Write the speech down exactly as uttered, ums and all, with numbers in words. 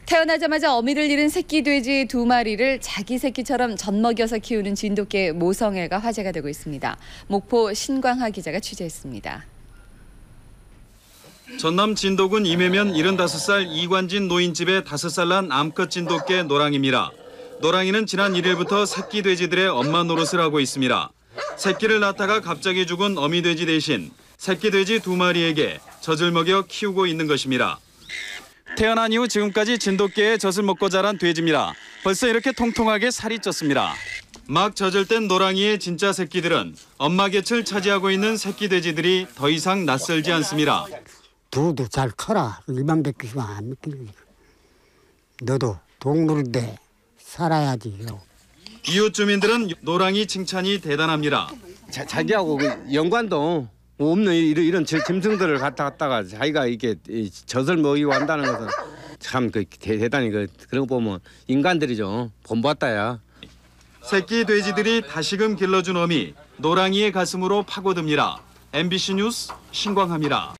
태어나자마자 어미를 잃은 새끼 돼지 두 마리를 자기 새끼처럼 젖먹여서 키우는 진돗개 모성애가 화제가 되고 있습니다. 목포 신광하 기자가 취재했습니다. 전남 진도군 임해면 일흔다섯 살 이관진 노인집의 다섯 살 난 암컷 진돗개 노랑입니다. 노랑이는 지난 일 일부터 새끼 돼지들의 엄마 노릇을 하고 있습니다. 새끼를 낳다가 갑자기 죽은 어미 돼지 대신 새끼 돼지 두 마리에게 젖을 먹여 키우고 있는 것입니다. 태어난 이후 지금까지 진돗개의 젖을 먹고 자란 돼지입니다. 벌써 이렇게 통통하게 살이 쪘습니다. 막 젖을 땐 노랑이의 진짜 새끼들은 엄마 곁을 차지하고 있는 새끼 돼지들이 더 이상 낯설지 않습니다. 두도 잘 커라. 일만 뵙기만 안 믿기지. 너도 동물인데 살아야지. 이웃 주민들은 노랑이 칭찬이 대단합니다. 자, 자기하고 그 연관도 없는 이런, 이런 짐승들을 갖다 갖다가 자기가 이렇게 젖을 먹이고 한다는 것은 참 그 대단히 그 그런 거 보면 인간들이죠. 본받다야. 새끼 돼지들이 다시금 길러준 어미 노랑이의 가슴으로 파고듭니다. 엠비씨 뉴스 신광하입니다.